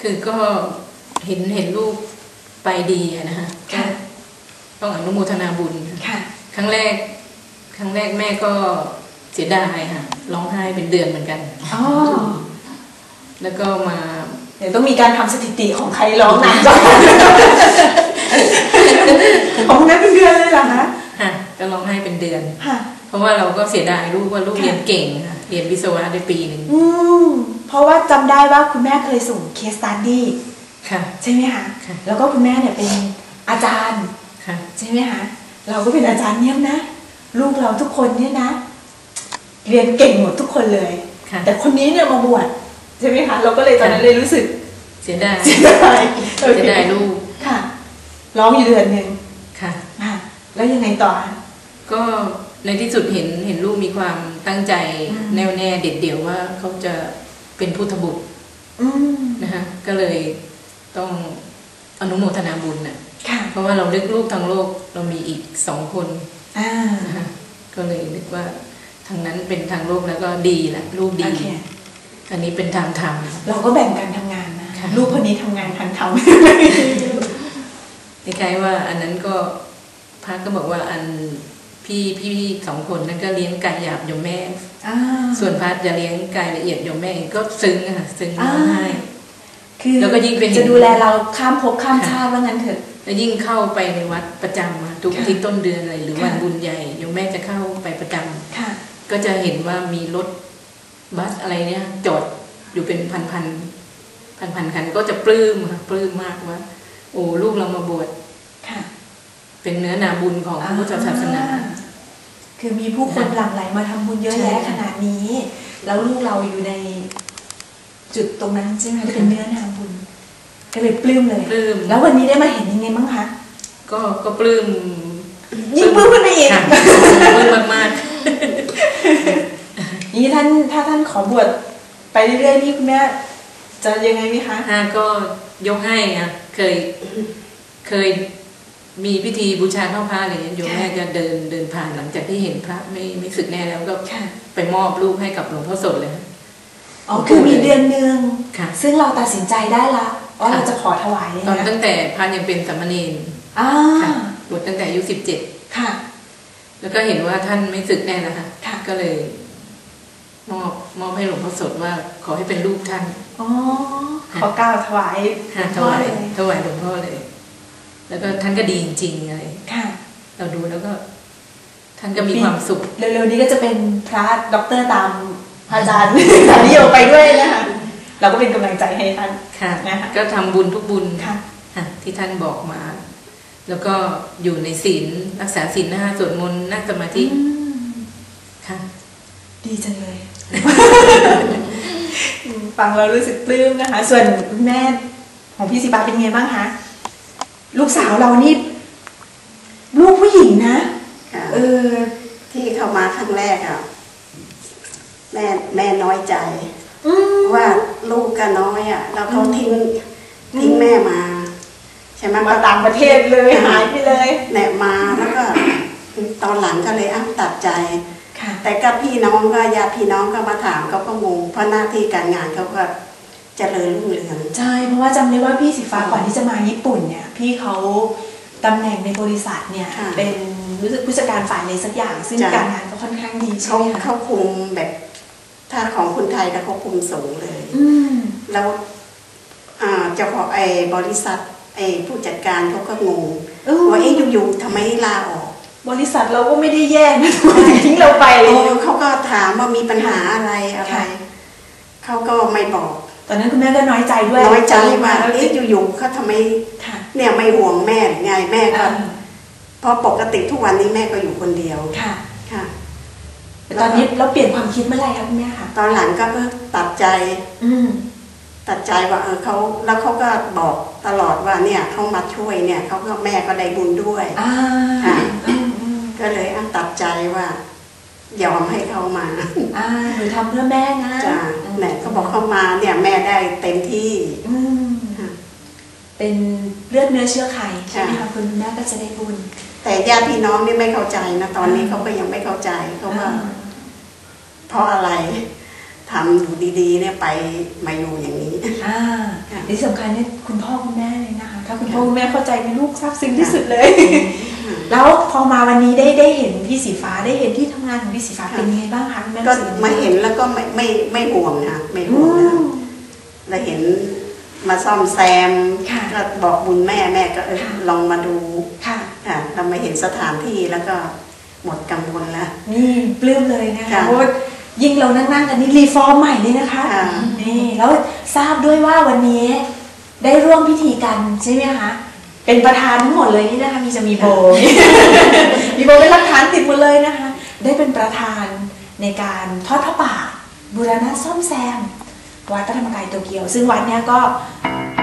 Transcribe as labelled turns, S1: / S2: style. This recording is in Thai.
S1: คือก็เห็นลูกไปดีนะคะต้องอนุโมทนาบุญครั้งแรกแม่ก็เสียดายค่ะร้องไห้เป็นเดือนเหมือนกันแล้วก็มา
S2: เดี๋ยวต้องมีการทำสถิติของใครร้องหนักจ้ะของคุณแม่เป็นเดือนเลยเหรอคะ
S1: ก็ร้องไห้เป็นเดือนเพราะว่าเราก็เสียดายลูกว่าลูกเรียนเก่งค่ะเรียนวิศวะได้ปีหนึ่ง
S2: เพราะว่าจำได้ว่าคุณแม่เคยส่งเคสสตัดดี้ใช่ไหมคะแล้วก็คุณแม่เนี่ยเป็นอาจารย์ใช่ไหมคะเราก็เป็นอาจารย์เนี่ยนะลูกเราทุกคนเนี่ยนะเรียนเก่งหมดทุกคนเลยแต่คนนี้เนี่ยมาบวชใช่ไหมคะเราก็เลยตอนนั้นเลยรู้สึก
S1: เสียดายลูก
S2: ค่ะร้องอยู่เดือนหนึ่งค่ะแล้วยังไงต่อ
S1: ก็ในที่สุดเห็นลูกมีความตั้งใจแน่วแน่เด็ดเดี่ยวว่าเขาจะเป็นพุทธบุตรนะคะก็เลยต้องอนุโมทนาบุญน่ะเพราะว่าเราเลือกลูกทางโลกเรามีอีก2 คนนะคะก็เลยนึกว่าทางนั้นเป็นทางโลกแล้วก็ดีแหละลูกดีอันนี้เป็นทางธรรม
S2: เราก็แบ่งกันทำงานนะลูกคนนี้ทำงานทางธรรม
S1: คล้ายๆว่าอันนั้นก็พระก็บอกว่าอันพี่2 คนนั้นก็เลี้ยงกายหยาบโยมแม่ส่วนพระจะเลี้ยงกายละเอียดโยมแม่ก็ซึ้งค่ะซึ้งร้องไห้
S2: คือแล้วก็ยิ่งเป็นจะดูแลเราข้ามภพข้ามชาติว่างั้นเถอะ
S1: แล้วยิ่งเข้าไปในวัดประจำทุกที่ต้นเดือนอะไรหรือวันบุญใหญ่โยมแม่จะเข้าไปประจำก็จะเห็นว่ามีรถบัสอะไรเนี่ยจอดอยู่เป็นพันคันก็จะปลื้มมากว่าโอ้ลูกเรามาบวชเป็นเนื้อนาบุญของพระพุทธศาสนา
S2: คือมีผู้คนหลั่งไหลมาทำบุญเยอะแยะขนาดนี้แล้วลูกเราอยู่ในจุดตรงนั้นใช่ไหมเป็นเนื้อนาบุญก็เลยปลื้มเลยแล้ววันนี้ได้มาเห็นยังไงบ้างคะ
S1: ก็ปลื้ม
S2: ยิ่งปลื้มขึ้นไปอีก
S1: ปลื้มมาก
S2: นี่ถ้าท่านขอบวชไปเรื่อยๆนี่คุณแม่จะยังไงไหมคะ
S1: ก็ยกให้ค่ะเคยมีพิธีบูชาเข้าพระอะไรอย่างเงี้ยโยมแม่จะเดินผ่านหลังจากที่เห็นพระไม่สึกแน่แล้วก็ไปมอบลูกให้กับหลวงพ่อสดเลย
S2: คือมีเดือนนึงซึ่งเราตัดสินใจได้ละว่าเราจะขอถวายเลย
S1: ตอนตั้งแต่พระยังเป็นสามเณรบวชตั้งแต่อายุ17ค่ะแล้วก็เห็นว่าท่านไม่สึกแน่นะคะก็เลยมอบให้หลวงพ่อสดว่าขอให้เป็นลูกท่าน
S2: ขอกล่าวถวาย
S1: หลวงพ่อเลยแล้วก็ท่านก็ดีจริงๆอะไรเราดูแล้วก็ท่านก็มีความสุข
S2: เร็วๆนี้ก็จะเป็นพระด็อกเตอร์ตามอาจารย์นิยมไปด้วยนะคะเราก็เป็นกำลังใจให้ท่าน
S1: นะคะก็ทำบุญทุกบุญที่ท่านบอกมา แล้วก็อยู่ในศีลรักษาศีล5สวดมนต์นั่งสมาธิ
S2: ค่ะดีจังเลยฟังเรารู้สึกปลื้มนะคะส่วนแม่ของพี่ศิบาเป็นไงบ้างคะลูกสาวเรานี่ลูกผู้หญิงนะ
S3: ที่เข้ามาครั้งแรกอ่ะแม่น้อยใจว่าลูกก็น้อยอ่ะแล้วเขาทิ้งแม่มาใช่ไหม
S2: มาต่างประเทศเลยหายไปเลย
S3: แหนมาแล้วก็ตอนหลังก็เลยตัดใจแต่กับพี่น้องก็ญาติพี่น้องก็มาถามเขาก็งงเพราะหน้าที่การงานเขาก็เจริญรุ่งเรือง
S2: ใช่เพราะว่าจำได้ว่าพี่สีฟ้าก่อนที่จะมาญี่ปุ่นเนี่ยพี่เขาตำแหน่งในบริษัทเนี่ยเป็นรู้สึกผู้จัดการฝ่ายอะไรสักอย่างซึ่งการงานก็ค่อนข้างดีใช่ไหมคะ
S3: เขาคุมแบบถ้าของคนไทยแล้วเขาคุมสูงเลยแล้วเจ้าของบริษัทผู้จัดการเขาก็งงว่าอยู่ๆทำไมลาออก
S2: บริษัทเราก็ไม่ได้แย่นะทิ้งเราไป
S3: เขาก็ถามว่ามีปัญหาอะไรเขาก็ไม่บอก
S2: ตอนนั้นคุณแม่ก็น้อยใจด้วย
S3: น้อยใจว่าอยู่ๆเขาทำไมเนี่ยไม่ห่วงแม่ไงแม่ก็เพราะปกติทุกวันนี้แม่ก็อยู่คนเดียวค่ะ
S2: ตอนนี้เราเปลี่ยนความคิดเมื่อไหร่คะคุณแม่คะ
S3: ตอนหลังก็ตัดใจว่าเขาแล้วเขาก็บอกตลอดว่าเนี่ยเขามาช่วยเนี่ยเขาก็แม่ก็ได้บุญด้วยก็เลยตัดใจว่ายอมให้เขามา
S2: หนูทำเพื่อแม่นะ
S3: จ้ะแม่ก็บอกเขามาเนี่ยแม่ได้เต็มที่
S2: เป็นเลือดเนื้อเชื้อไขใช่ไหมคะคุณแม่ก็จะได้บุญ
S3: แต่ญาติพี่น้องนี่ไม่เข้าใจนะตอนนี้เขาก็ยังไม่เข้าใจเขาว่าเพราะอะไรทำอยู่ดีๆเนี่ยไปมาอยู่อย่างนี้
S2: เดี๋ที่สำคัญเนี่ยคุณพ่อคุณแม่เลยนะคะถ้าคุณพ่อคุณแม่เข้าใจในลูกซาบซึ้งที่สุดเลยแล้วพอมาวันนี้ได้เห็นพี่สีฟ้าได้เห็นที่ทำงานของพี่สีฟ้าเป็นยังไงบ้างคะคุณแม่
S3: ก็มาเห็นแล้วก็ไม่ห่วงนะไม่ห่วงนะเราเห็นมาซ่อมแซมก็บอกบุญแม่ก็ลองมาดูค่ะเรามาเห็นสถานที่แล้วก็หมดกังวลแล้ว
S2: นี่ปลื้มเลยนะคะเพราะยิ่งเรานั่งกันนี่รีฟอร์มใหม่เลยนะคะนี่แล้วทราบด้วยว่าวันนี้ได้ร่วมพิธีกันใช่ไหมคะเป็นประธานทั้งหมดเลยนี่นะคะมีโบมีโบเป็นหลักฐานติดหมดเลยนะคะได้เป็นประธานในการทอดพระป่าบูรณะซ่อมแซมวัดพระธรรมกายโตเกียวซึ่งวัดเนี้ยก็